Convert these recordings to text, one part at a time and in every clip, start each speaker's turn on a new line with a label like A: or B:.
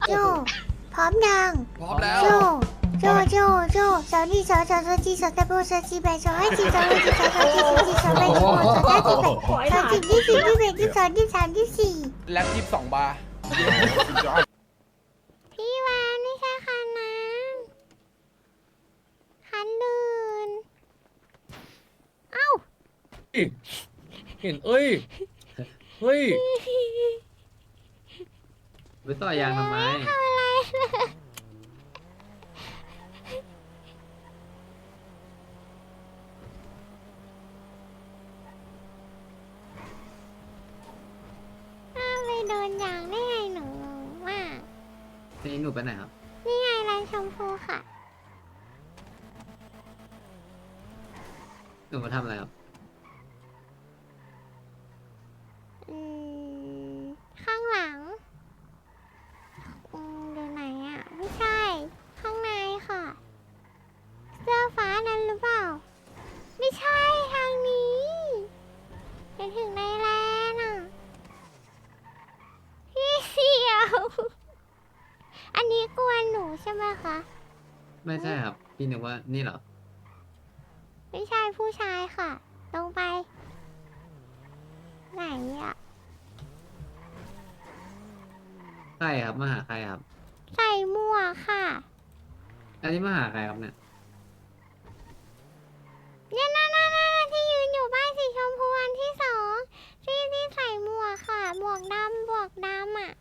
A: โจพร้อมยัง
B: พร้อมแล้ว
A: โจโจสาวนี่สาวจีสาวตะโบสาวจีแบสาวให้จีสาวให้จีสาวจีสาวแบสาวสาวจีแบสาวจีที่สี่ที่แบที่สองที่สามที่สี่
B: แล็บ22 บาร์
A: พี่วานไม่ใช่คันนั้นคันอื่นเอ้า
C: เห็นเอ้ย เฮ้ย ไปต่อยางทำไม
A: ทำอะไรเลยอ้าวไปโดนยางได้ไงหนูงงมาก
C: นี่หนูไปไหนครับ
A: นี่ไงร้านชมพูค่ะ
C: หนูมาทำอะไรครับ
A: อืม ข้างหลังดูไหนอ่ะ ไม่ใช่ ข้างในค่ะ เสื้อฟ้านั้นหรือเปล่า ไม่ใช่ทางนี้ไปถึงในแลนด์อ่ะ พี่เสี่ยว อันนี้กวนหนูใช่ไหมคะ
C: ไม่ใช่ครับ พี่นึกว่านี่เหรอ
A: ไม่ใช่ผู้ชายค่ะ ลงไป ไหนอ่ะ
C: ใครครับ มาหาใครครับ
A: ใส่หมวกค่ะ
C: อันนี้มาหาใครครับเนี่ย
A: เนี่ยนั่นที่ยืนอยู่บ้านสีชมพูอันที่สองที่ใส่หมวกค่ะ หมวกดำอ่ะ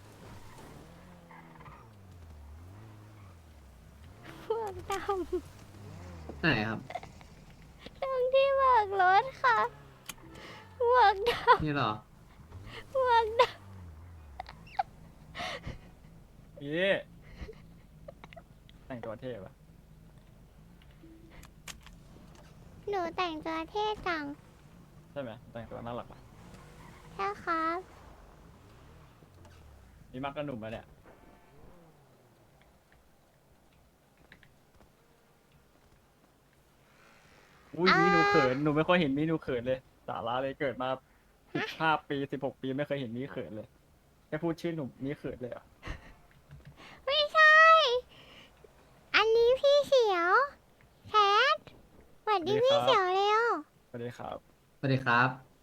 A: หมวกดำ
C: ไหนครับ
A: ตรงที่เบิกรถค่ะหมวกด
C: นี่เหรอ
A: ำหมวกด
D: พี่แต่งตัวเท่ปะ
A: ำหนูแต่งตัวเท่จัง
D: ใช่ไหมแต่งตัวน่ารักปะ
A: ใช่ครับ
D: มีมากกระหนุ่มแล้วเนี่ยอุ้ยมีหนูเขินหนูไม่ค่อยเห็นมีหนูเขินเลยสาระเลยเกิดมา15 ปี16 ปีไม่เคยเห็นมีเขินเลยแค่พูดชื่อหนุ่มมีเขินเลยเหรอ่ะ
A: ไม่ใช่ อันนี้พี่เขียวแคทสวัสดีพี่เขียวเร็ว
D: สวัสดีครับ
C: สวัสดีครับ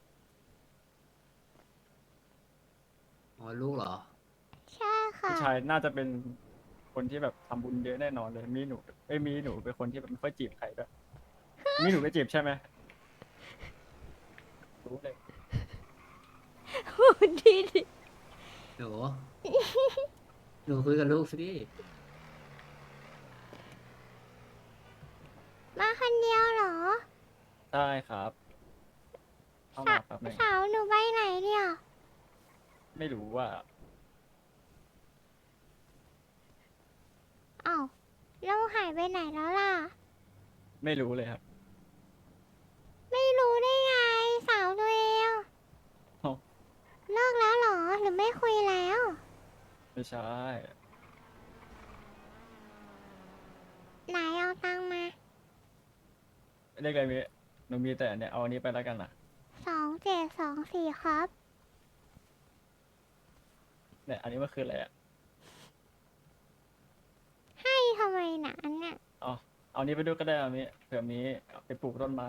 C: อ๋อ ลูกเหรอ
A: ใช่ค่ะ
D: พี่ชายน่าจะเป็นคนที่แบบทำบุญเยอะแน่นอนเลยมีหนูมีหนูเป็นคนที่แบบไม่ค่อยจีบใครด้วยมีหนูไปจีบใช่ไหมรู้เลย
A: พูดดีดิ
C: หนู หนูคุยกับลูกสิ
A: มาคนเดียวเหรอ
D: ได้ครับเข้ามาแป๊บหนึง
A: สาวหนูไปไหนเนี่ย
D: ไม่รู้ว่า
A: อ้าวเราหายไปไหนแล้วล่ะ
D: ไม่รู้เลยครับ
A: ไม่รู้ได้ไง สาวตัวเอง
D: เอ้า
A: เลิกแล้วเหรอ หรือไม่คุยแล้ว
D: ไม่ใช่
A: ไหนเอาตังค์มา
D: เรียกอะไรมีหนูมีแต่เนี่ยเอาอันนี้ไปแล้วกันนะ
A: 2724ครับ
D: เนี่ยอันนี้มันคืออะไรอ่ะ
A: ให้ทำไมนะอันเนี้ย
D: เอาเอานี้ไปด้วยก็ได้เอานี้เผื่อมีเอาไปปลูกต้นไม้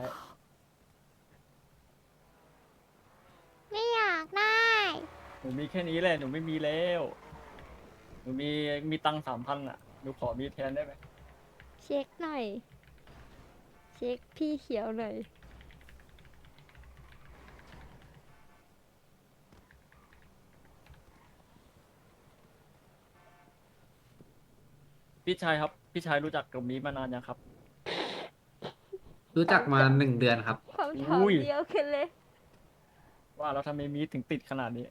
A: ไม่อยากได้
D: หนูมีแค่นี้แหละหนูไม่มีแล้วหนูมีตังค์3,000อ่ะหนูขอมีแทนได้ไหม
E: เช็คหน่อย เช็คพี่เขียวหน่อย
D: พี่ชายครับพี่ชายรู้จักกลุ่มนี้มานานยังครับ
C: รู้จักมา1 เดือนครับ
E: ความถาม
D: อุ้ย
E: เดียวกันเลย
D: ว่าเราทำไมมีถึงติดขนาดนี้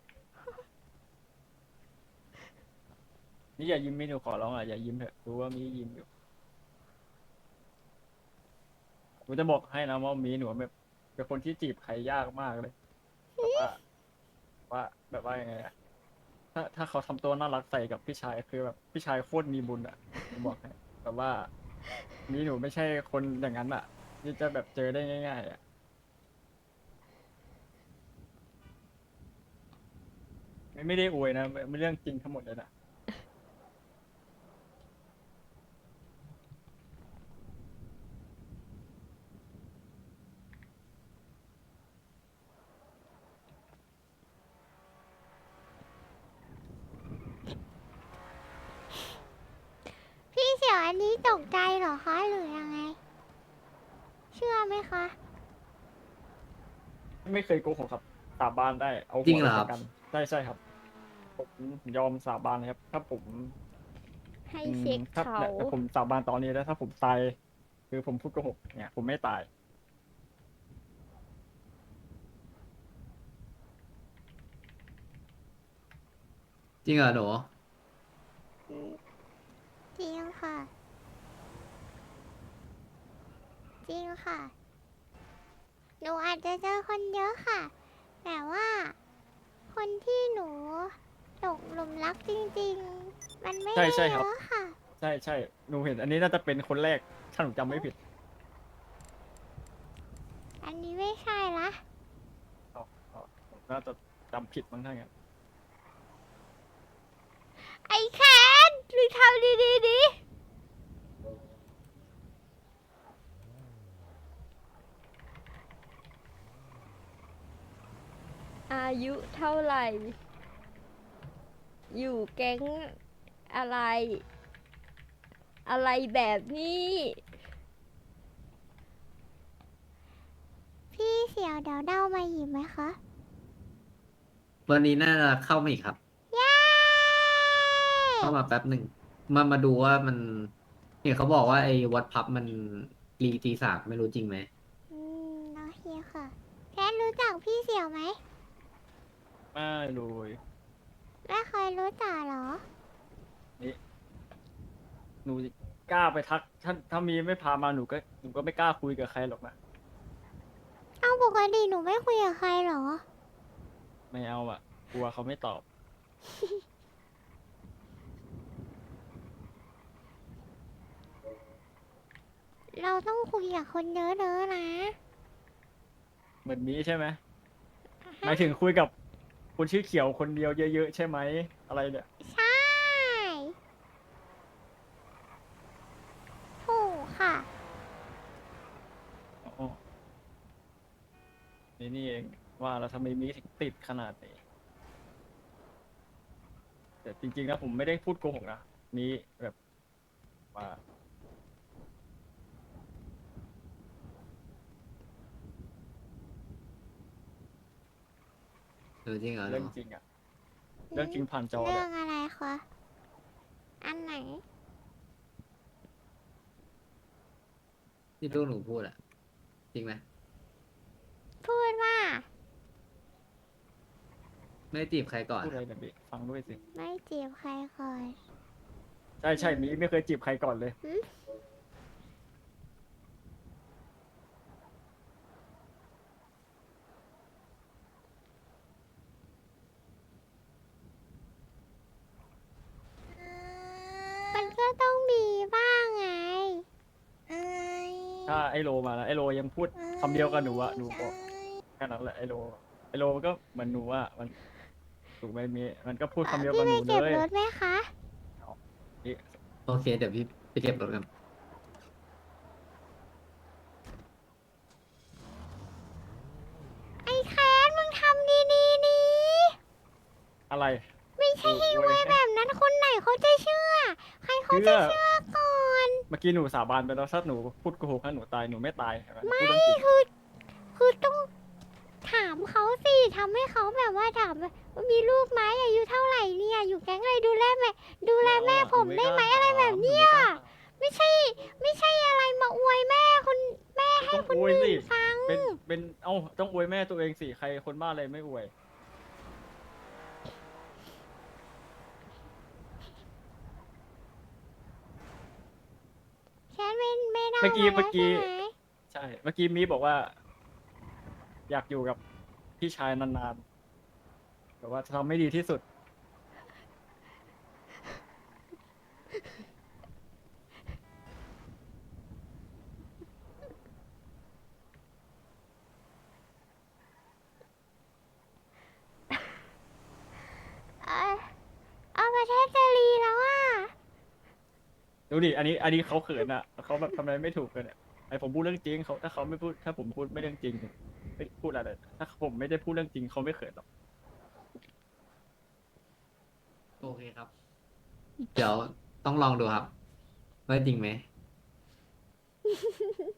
D: นี่อย่ายิ้มไม่หนูขอร้องอ่ะอย่ายิ้มเถอะรู้ว่ามียิ้มอยู่หนูจะบอกให้นะว่ามีหนูแบบเป็นคนที่จีบใครยากมากเลยแบบว่ายังไงอะถ้าเขาทำตัวน่ารักใส่กับพี่ชายคือแบบพี่ชายโคตรมีบุญอ่ะผมบอกให้แบบว่ามีหนูไม่ใช่คนอย่างนั้นอ่ะที่จะแบบเจอได้ง่ายๆอ่ะไม่ได้อวยนะไม่เรื่องจริงทั้งหมดเลยนะ
A: อันนี้ตกใจเหรอคะหรือยังไง เชื่อไหมคะ
D: ไม่เคยโกหกครับสาบานได้เอา
C: จริ
D: หั
C: ง
D: ว
C: เห
D: ไป
C: รอค
D: ป
C: รับ
D: ระกันใช่ครับผมยอมสาบานเลยครับ ถ้าผม
E: ให้เช็ค
D: ถ้า
E: เขา
D: เนี่ยถ้าผมสาบานตอนนี้แล้วถ้าผมตายคือผมพูดโกหกเนี่ยผมไม่ตาย
C: จริงเหรอหนู
A: จริงค่ะ จริงค่ะ หนูอาจจะเจอคนเยอะค่ะ แต่ว่า คนที่หนูตกหลุมรักจริงๆ มันไม่
D: ใช่
A: ได้
D: ใช่
A: เย
D: ครับ
A: อะค่ะ
D: ใช่หนูเห็น อันนี้น่าจะเป็นคนแรกถ้าหนูจำไม่ผิด
A: อันนี้ไม่ใช่ละ
D: อ๋อผมน่าจะจำผิดมั้งถ้างั้น
A: ไอ้แคนหรือทำดีๆดิ
E: อายุเท่าไหร่ อยู่แก๊งอะไร อะไรแบบนี้
A: พี่เสี่ยวเดี๋ยวเดามาหยิบไหมคะ
C: วันนี้น่าจะเข้ามาอีกครับ
A: เย้
C: เข้ามาแป๊บหนึ่งมาดูว่ามันเห็นเขาบอกว่าไอ้วัดพับมันรีตี 3ไม่รู้จริงไหม
A: โอเคค่ะแคนรู้จักพี่เสี่ยวไหม
D: ไม่รู้
A: ไม่เคยรู้จักเหรอ
D: นี่หนูกล้าไปทักถ้ามีไม่พามาหนูก็ไม่กล้าคุยกับใครหรอกนะ
A: เอาปกติหนูไม่คุยกับใครเหรอ
D: ไม่เอาอ่ะกลัวเขาไม่ตอบ
A: เราต้องคุยกับคนเยอะๆนะ
D: เหมือนนี้ใช่ไหมหมายถึงคุยกับคนชื่อเขียวคนเดียวเยอะๆใช่ไหมอะไรเนี่ย
A: ใช่ถูกค่ะ
D: อ๋อนี่เองว่าแล้วทำไมมีถึงติดขนาดนี้แต่จริงๆนะผมไม่ได้พูดโกหกนะมีแบบว่า
C: จริงเหรอห
D: เรื่
C: นู
D: องจริงอะเรื่องจริงผ่านจอเล
A: เรื่
D: ย
A: องอะไรคะ อันไหน
C: ที่ลูกหนูพูดอะจริงไหม
A: พูดว่า
C: ไม่ได้จีบใครก่อน
D: พูด
C: ค
D: อะไร
C: รับ
D: เนี่ยพี่ฟังด้วยสิ
A: ไม่จีบใครก่อน
D: ใช่มีไม่เคยจีบใครก่อนเลย
A: มันก็ต้องมีบ้างไง
D: ถ้าไอโลมาแล้วไอโลยังพูดคำเดียวกับหนูอะหนูบอกแค่นั้นแหละไอโลมันก็เหมือนหนูอะมันถูกไหมมีมันก็พูดคำเดียว
A: พี่
D: กับ
A: ไป
D: หนู
A: เก็บ
D: เลย
A: รถไหมคะ
D: นี่
C: โอเค เดี๋ยวพี่ไปเก็บรถกัน
A: ไอ้แคนมึงทำดีๆนี่
D: อะไร
A: ไม่ใช่ให้
D: โอ้
A: ไวย
D: ย
A: แบบนั้นคนไหนเขาจะเชื่อ ใครเขาจะเชื่อก่อน
D: เมื่อกี้หนูสาบานไปแล้วถ้าหนูพูดโกหกถ้าหนูตายหนูไม่ตายเห็นไหม
A: ไม่
D: พูดเรื่องจริง
A: คือต้องถามเขาสิทำให้เขาแบบว่าถามว่ามีลูกไหมอายุเท่าไหร่เนี่ย อยู่แก๊งอะไรดูแลแม่ผมได้ไหมอะไรแบบเนี้ยไม่ใช่อะไรมาอวยแม่คนแม่ให้
D: ต้อง
A: คน
D: อวย
A: อื่
D: สิ
A: นฟัง
D: เป็นเอ้าต้องอวยแม่ตัวเองสิใครคนบ้าอะไรไม่อวย
A: แค่ไม่ได้
D: เมื่อกี้
A: มาแล้วใช่ไหม
D: ใช่เมื่อกี้มีบอกว่า อยากอยู่กับพี่ชายนานๆแบบว่าจะทำให้ดีที่สุด
A: เอาประเทศจะรีแล้วอ่ะ
D: ดูดิอันนี้เขาเขินอ่ะเขาแบบทำอะไรไม่ถูกเลยเนี่ยไอผมพูดเรื่องจริงเขาถ้าเขาไม่พูดถ้าผมพูดไม่เรื่องจริงไม่พูดอะไรถ้าผมไม่ได้พูดเรื่องจริงเขาไม่เขินหรอก
C: โอเคครับ เดี๋ยวต้องลองดูครับว่าจริงไหม